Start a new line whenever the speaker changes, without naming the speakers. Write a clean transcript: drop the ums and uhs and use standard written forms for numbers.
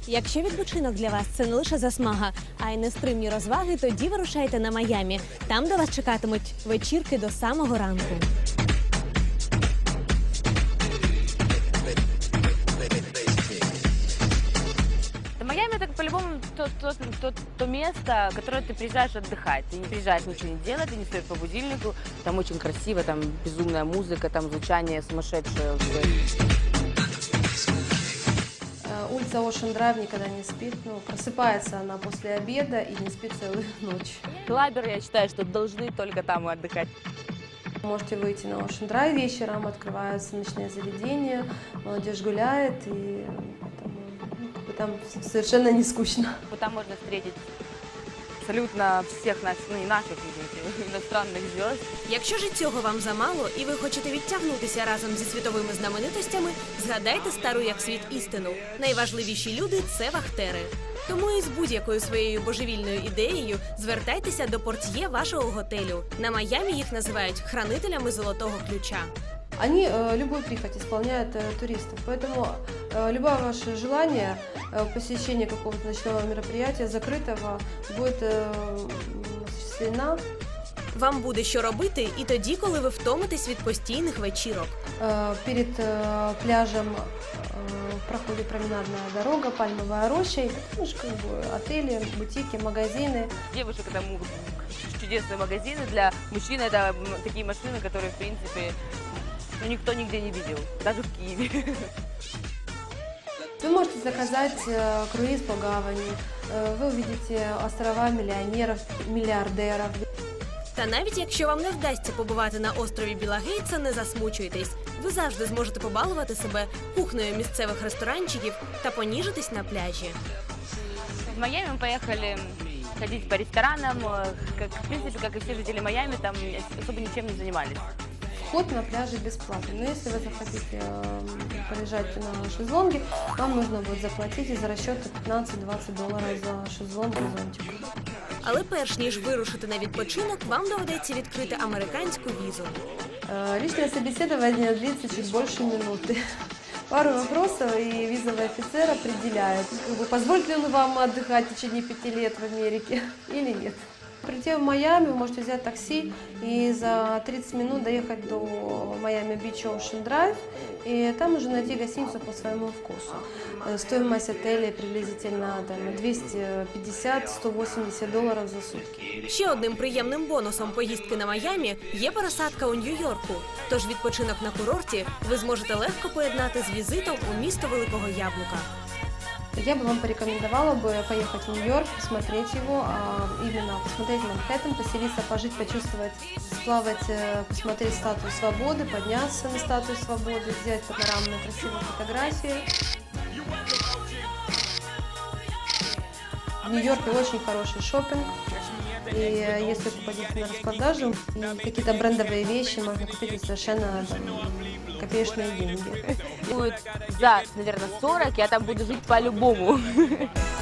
Якщо відпочинок для вас – це не лише засмага, а й нестримні розваги, тоді вирушайте на Майамі. Там до вас чекатимуть вечірки до самого ранку.
Майами это по-любому то место, в которое ты приезжаешь отдыхать. Ты не приезжаешь ничего не делать, ты не стоишь по будильнику. Там очень красиво, там безумная музыка, там звучание сумасшедшее.
Улица Ocean Drive никогда не спит. Просыпается она после обеда и не спит целую ночь.
Клаберы, я считаю, что должны только там и отдыхать.
Можете выйти на Ocean Drive вечером, открываются ночные заведения, молодежь гуляет, и там совершенно не скучно.
Там можно встретить абсолютно всех наших, ну не наших, извините, иностранных звезд.
Якщо ж і цього вам замало, і ви хочете відтягнутися разом зі світовими знаменитостями, згадайте стару як світ істину. Найважливіші люди – це вахтери. Тому із будь-якою своєю божевільною ідеєю звертайтеся до портьє вашого готелю. На Майамі їх називають хранителями золотого ключа.
Они любую прихоть исполняют туристов, поэтому любое ваше желание посещения какого-то ночного мероприятия, закрытого, будет осуществлено.
Вам буде що робити і тоді, коли ви втомитесь від постійних вечірок.
Перед пляжем проходит променадная дорога, пальмовая роща, и там же как бы отели, бутики, магазины.
Девушек это чудесные магазины, для мужчин это такие машины, которые в принципе никто нигде не видел, даже в Киеве.
Вы можете заказать круиз по гавани, вы увидите острова миллионеров, миллиардеров.
Та навіть якщо вам не вдасться побувати на острові Біла Гейтса, не засмучуйтесь. Ви завжди зможете побалувати себе кухнею місцевих ресторанчиків та поніжитись на пляжі.
В Майами мы поехали ходить по ресторанам, в принципе, как и все жители Майами, там особо ничем не занимались.
Вход на пляже бесплатный, но если вы захотите полежать на шезлонге, вам нужно будет заплатить из расчета $15-20 за шезлонг и зонтик.
Але перш ніж вирушити на відпочинок, вам доведеться відкрити американську візу.
Личное собеседование длится чуть больше минуты. Пару вопросов, и визовый офицер определяет, позволит ли он вам отдыхать в течение 5 лет в Америке или нет. Прийти в Майами, вы можете взять такси и за 30 минут доехать до Miami Beach Ocean Drive, и там уже найти гостиницу по своему вкусу. Стоимость отеля приблизительно $250-180 за сутки.
Ще одним приємним бонусом поїздки на Майамі є пересадка у Нью-Йорку. Тож відпочинок на курорті ви зможете легко поєднати з візитом у місто Великого Яблука.
Я бы вам порекомендовала бы поехать в Нью-Йорк, посмотреть его, именно посмотреть Манхэттен, поселиться, пожить, почувствовать, сплавать, посмотреть Статую Свободы, подняться на Статую Свободы, сделать панорамные красивые фотографии. В Нью-Йорке очень хороший шопинг, и если попадете на распродажу, какие-то брендовые вещи можно купить совершенно копеечные деньги.
Будет за, наверное, 40, я там буду жить по-любому.